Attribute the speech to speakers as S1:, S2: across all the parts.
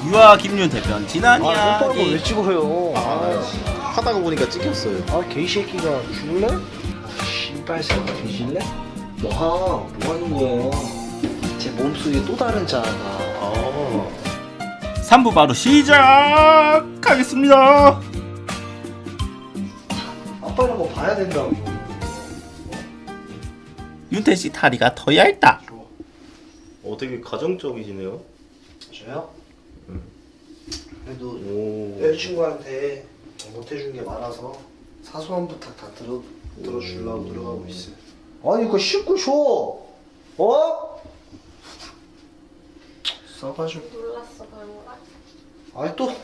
S1: 유아 김윤태 편 지난
S2: 아,
S1: 이야기.
S2: 왜 찍어요?
S3: 하다가 보니까 찍혔어요.
S2: 아, 개새끼가 죽을래? 씨발 새끼 뒤질래? 뭐 하는 거야? 제 몸속에 또 다른 자아가.
S1: 3부 바로 시작하겠습니다.
S2: 아빠는 뭐 봐야 된다고.
S1: 윤태씨 다리가 더 얇다.
S3: 되게 가정적이시네요.
S2: 저요? 그래도
S3: 오.
S2: 여자친구한테 못해준 게 많아서 사소한 부탁 다 들어주려고 들어가고 있어요. 아니 그거 씻고 줘. 어? 싸가지고.
S4: 놀랐어 별로라.
S2: 아니 또.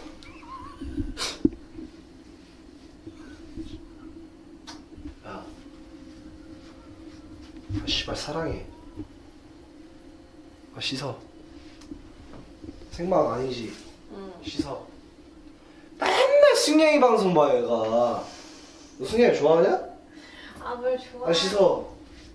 S2: 야. 아 씨발 사랑해. 아 씻어. 생방 아니지?
S4: 응.
S2: 씻어. 맨날 승냥이 방송 봐 얘가. 너 승냥이 좋아하냐?
S4: 아 뭘 좋아?
S2: 아 씻어.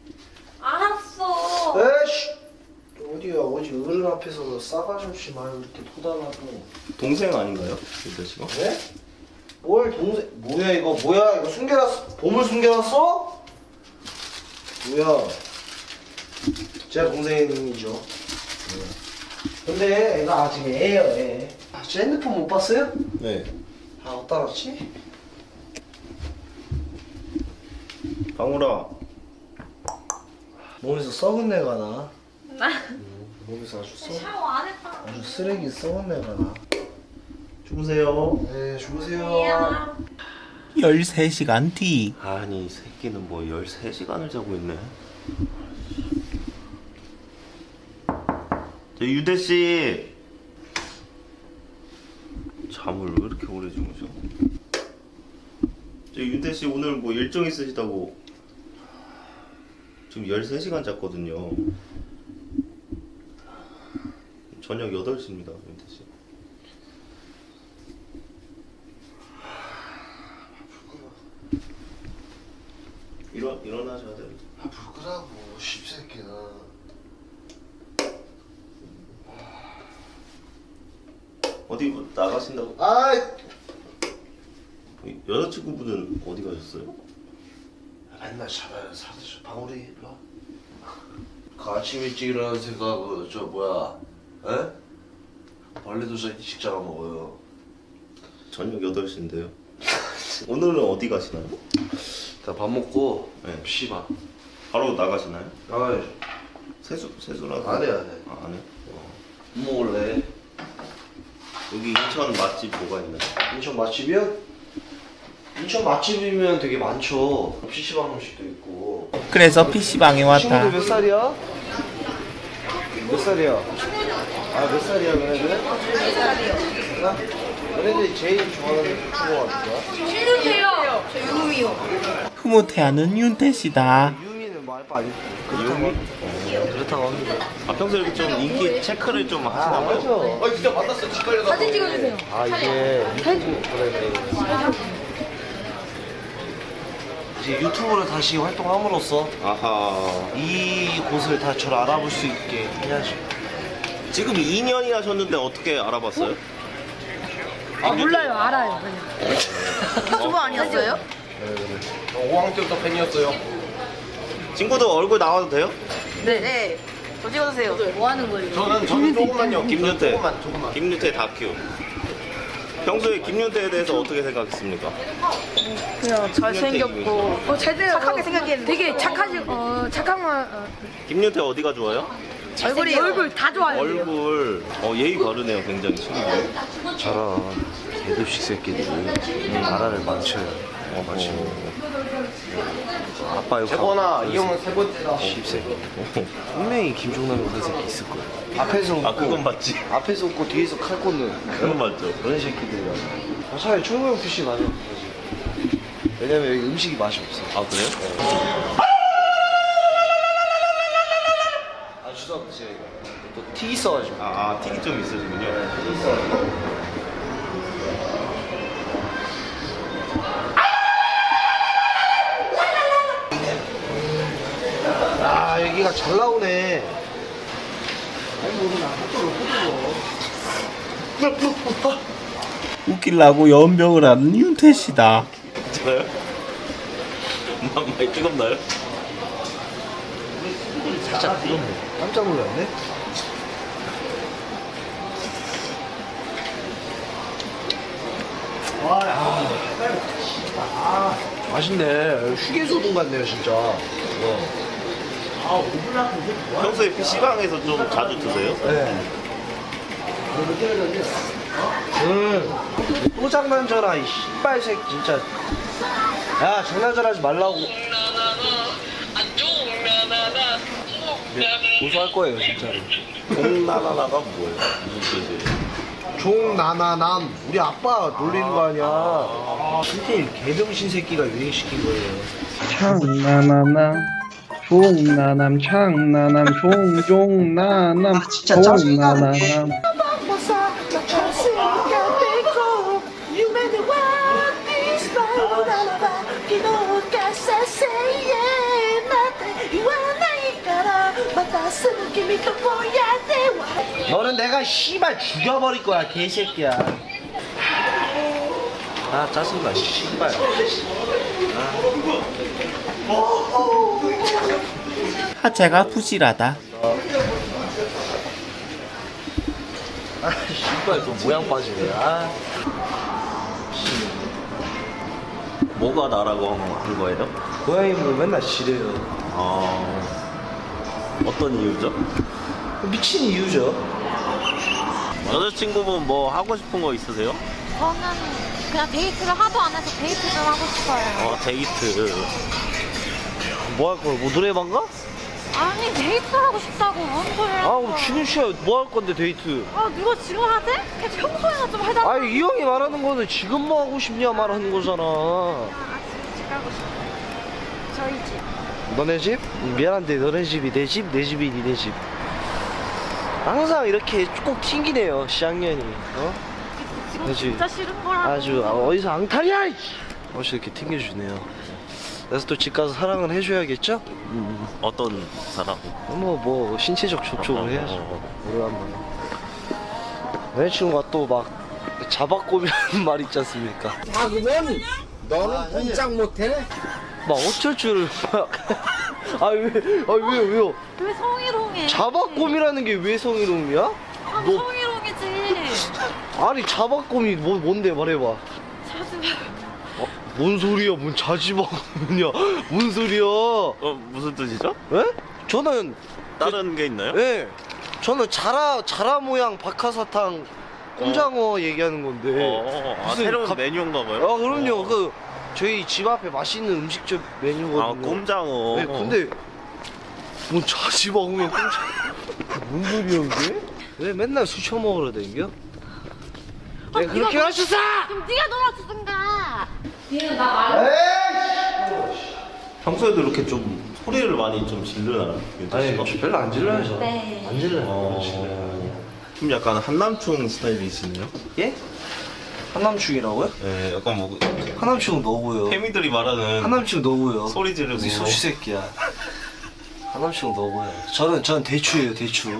S4: 알았어.
S2: 에이씨. 어디야 어디 어른 앞에서 싸가지 없이 말을 이렇게 토달라고.
S3: 동생 아닌가요? 윤태 씨가?
S2: 네? 뭘 동생 뭐야 이거 뭐야 이거 숨겨놨어? 보물 숨겨놨어? 뭐야? 제가 동생이죠. 근데 애가 아직 애예요 애. 제 핸드폰 못 봤어요?
S3: 네.
S2: 아 어디다 놨지?
S3: 방울아.
S2: 몸에서 썩은 내가 나.
S4: 나
S2: 몸에서 아주
S4: 샤워 안 했다.
S2: 아주 쓰레기 썩은 내가 나.
S3: 주무세요.
S2: 네 주무세요.
S4: 미안.
S1: 13시간 뒤.
S3: 아니 이 새끼는 뭐 13시간을 자고 있네. 저 유대 씨. 잠을 왜 이렇게 오래 주무셔? 저 유대 씨 오늘 뭐 일정 있으시다고 지금 13시간 잤거든요. 저녁 8시입니다, 유대 씨. 일어나셔야 돼요.
S2: 아 부끄라고 십새끼야.
S3: 어디 뭐 나가신다고?
S2: 아이
S3: 여자친구분은 어디 가셨어요?
S2: 맨날 잡아요 사드셔 방울이 일로 와.
S5: 그 아침 일찍 일어나는 생각하고 저 뭐야 에? 벌레도 일찍 잡아 먹어요.
S3: 저녁 8시인데요. 오늘은 어디 가시나요?
S5: 나 밥 먹고
S3: 네.
S5: PC방.
S3: 바로 나가시나요?
S5: 아이
S3: 세수라도
S5: 안 해.
S3: 안 해?
S5: 뭐 먹을래?
S3: 여기 인천 맛집 뭐가 있나요?
S2: 인천 맛집이요? 인천 맛집이면 되게 많죠. PC방 음식도 있고.
S1: 그래서 PC방에 왔다.
S2: 친구들 몇 살이야? 몇 살이야? 아 몇 살이야 너네들? 4살이요. 너네들이 제일 좋아하는 친구가 누구야?
S4: 신윤태요. 저 유미요.
S1: 흐뭇해하는 윤태씨다.
S2: 유미는 말파 아니 그렇다고 합니다.
S3: 평소에 이렇게 좀 인기 체크를 좀 하시나 봐요?
S2: 맞아.
S5: 진짜 만났어. 기빨려.
S4: 사진 찍어주세요.
S2: 아 이게 유튜브 그래. 이제 유튜브를 다시 활동함으로써
S3: 아하.
S2: 이 곳을 다 저를 알아볼 수 있게 해야죠.
S3: 지금 2년이 하셨는데 어떻게 알아봤어요?
S4: 아 몰라요. 알아요. 그냥. 유튜버 아니었어요?
S5: 5학년 때부터 팬이었어요.
S3: 친구들 얼굴 나와도 돼요?
S4: 네. 저 찍어주세요. 뭐 하는 거예요?
S5: 저는 조금만요.
S3: 김윤태.
S5: 조금만.
S3: 김윤태 다큐. 평소에 김윤태에 대해서 어떻게 생각했습니까?
S4: 그냥 잘생겼고 착하게 생각했는데 되게 착한 말
S3: 김윤태 어디가 좋아요?
S4: 얼굴 다 좋아요.
S3: 얼굴. 예의 바르네요, 굉장히 친구들.
S5: 저런 대도식 새끼들이 나라를 망쳐요. 망치고. 아빠 욕하고.
S2: 세번아 이 형은 세 번째다.
S5: 십새끼. 분명히 김종남이 그런 새끼 있을 거야.
S2: 앞에서 웃고
S3: 그건 맞지.
S2: 앞에서 웃고 뒤에서 칼 꽂는
S3: 그건 맞죠.
S2: 그런 새끼들이야. 차라리 철구형 PC 가자. 왜냐면 여기 음식이 맛이 없어.
S3: 아, 그래요?
S2: 아 주석 제가 또 티 있어가지고.
S3: 틱이 좀 있으시군요.
S2: 티 있어. 아 여기가 잘 나오네. 아니 뭐나 헛도로 헛도로.
S1: 웃기려고 연병을 하는 윤태씨다.
S3: 괜찮아요? 많이 뜨겁나요?
S2: 살짝 뜨겁네. 깜짝 놀랐네. 맛있네. 휴게소동 같네요, 진짜.
S3: 평소에 PC방에서 좀 자주 드세요?
S2: 네. 또 장난쳐라, 이 씨발색 진짜. 야, 장난질하지 말라고. 고소할 거예요, 진짜로.
S3: 공나나나가 뭐예요? 무슨 뜻이에요?
S2: 종나나남. 우리 아빠 놀리는 거 아니야. 진짜 개병신 새끼가 유행시킨 거예요.
S6: 창나나남 종나남 창나남 종종나남
S2: 진짜 짜증나.
S6: 종나나남
S2: 너는 내가 씨발 죽여버릴 거야, 개새끼야. 아, 짜증나, 씨발.
S1: 하체가 부실하다.
S2: 아, 씨발, 또 모양 빠지네. 아.
S3: 뭐가 나라고 한 거예요?
S2: 고양이 뭐 맨날 지래요.
S3: 어떤 이유죠?
S2: 미친 이유죠.
S3: 여자친구분 뭐 하고 싶은 거 있으세요?
S7: 저는 그냥 데이트를 하도 안 해서 데이트 좀 하고 싶어요.
S3: 데이트.
S2: 뭐 할 거야? 뭐 노래방 가?
S7: 아니 데이트를 하고 싶다고 뭔 소리를
S2: 아, 그럼 준현 씨야 뭐 할 건데 데이트?
S7: 아 누가 지금 하지? 그냥 평소에나 좀 해달라고.
S2: 아니, 이 형이 말하는 거는 지금 뭐 하고 싶냐 말하는 거잖아.
S7: 집 가고 싶어요. 저희 집.
S2: 너네 집? 미안한데 너네 집이 내 집, 내 집이 니네 집. 항상 이렇게 꼭 튕기네요, 시학년이.
S7: 지금
S2: 그치.
S7: 진짜 싫은 거라고.
S2: 아주 어디서 앙탈이야! 어찌 이렇게 튕겨주네요. 그래서 또 집 가서 사랑을 해줘야겠죠?
S3: 어떤 사람?
S2: 뭐 신체적 접촉을 해야죠. 오래간만에. 여자친구가 또 막 자박곰이라는 말 있지 않습니까?
S8: 아 그러면 너는 꼼짝 못해?
S2: 막 어쩔 줄을 막. 왜요?
S7: 왜 성희롱해?
S2: 자박곰이라는 게 왜 성희롱이야?
S7: 아,
S2: 너-
S7: 성희롱이지.
S2: 아니, 자박곰이 뭔데 말해봐.
S7: 자주.
S2: 뭔 소리야? 뭔 자지박곰이냐? 뭔 소리야?
S3: 무슨 뜻이죠?
S2: 예? 저는
S3: 다른 게 있나요?
S2: 예. 저는 자라 모양 박하사탕 꼼장어 얘기하는 건데. 무슨
S3: 새로운
S2: 갑-
S3: 메뉴인가 봐요?
S2: 그럼요. 그 저희 집 앞에 맛있는 음식점 메뉴거든요.
S3: 꼼장어.
S2: 네, 근데 뭔 자지박으면 꼼장. 뭔 소리야 이게? 왜 맨날 술 처먹으러 댕겨? 내가 그렇게
S7: 네가
S2: 하셨어!
S7: 그럼 네가 놀아주든가.
S3: 평소에도 이렇게 좀 소리를 많이 좀 질르나요?
S2: 아니, 별로 안 질러요, 저.
S7: 네.
S2: 안 질러요.
S3: 좀 약간 한남충 스타일이시네요?
S2: 예? 한남충이라고요?
S3: 네, 약간 뭐
S2: 한남충은 너고요.
S3: 페미들이 말하는
S2: 한남충 너고요.
S3: 소리 지르고
S2: 이 소시 새끼야. 한남충 너고요. 저는 대추예요, 대추.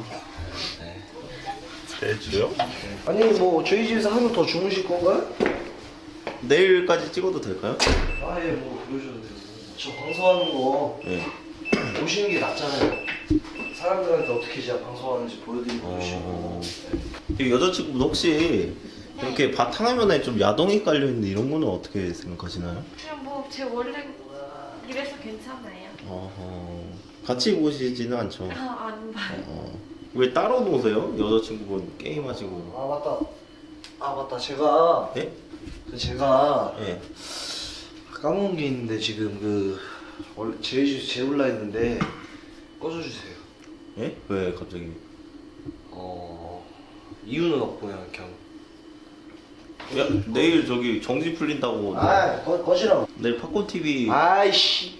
S3: 대주요?
S2: 아니 뭐 저희 집에서 하루 더 주무실 건가요?
S3: 내일까지 찍어도 될까요?
S2: 아예 뭐 그러셔도 돼요. 저 방송하는 거
S3: 네.
S2: 보시는 게 낫잖아요. 사람들한테 어떻게 제가 방송하는지 보여드리고
S3: 어...
S2: 보시고.
S3: 이 여자친구분 혹시 이렇게 바탕화면에 좀 야동이 깔려있는데 이런 거는 어떻게 생각하시나요?
S7: 그냥 뭐 제 원래 이래서 괜찮아요.
S3: 같이 보시지는 않죠?
S7: 안 봐요.
S3: 왜 따로 노세요? 여자친구분 게임하시고.
S2: 아 맞다 제가
S3: 네?
S2: 제가
S3: 네.
S2: 까먹은 게 있는데 지금 그 원래 재울라 했는데 꺼줘주세요.
S3: 예? 왜 갑자기?
S2: 이유는 없고 그냥
S3: 야, 내일 저기 정지 풀린다고.
S2: 꺼지라고.
S3: 내일 팝콘 TV.
S2: 아이씨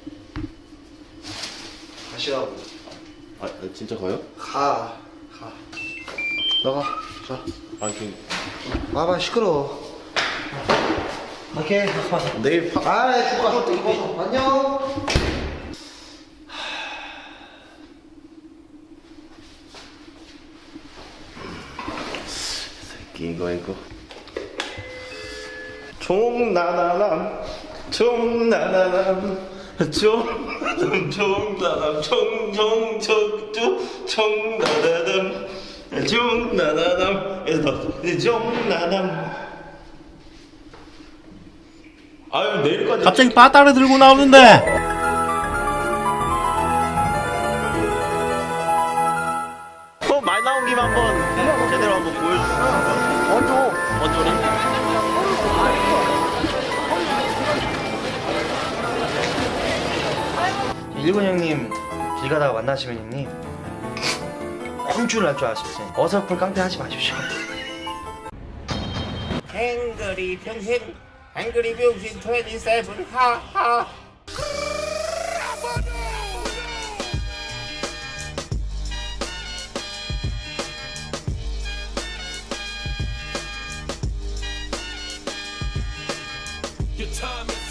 S2: 가시라고.
S3: 진짜 가요?
S2: 가 나가 자 봐봐 시끄러워. 오케이
S3: 내일
S2: 주가 이거 안녕.
S3: 이거 총나나남 총나나남 총나나남 총나나남 총나나남 총나나남. 아유 내일까지
S1: 갑자기 바다를 들고 나오는데.
S3: 말 나온 김에 한번 제대로 한번 보여주세요. 원조리?
S2: 일본 형님 길 가다가 만나시면 형님 콩줄 날 줄 아십시오. 어설픈 깡패 하지 마십시오.
S1: 행거리 평생 행거리 병신 27 하하.
S9: Your time is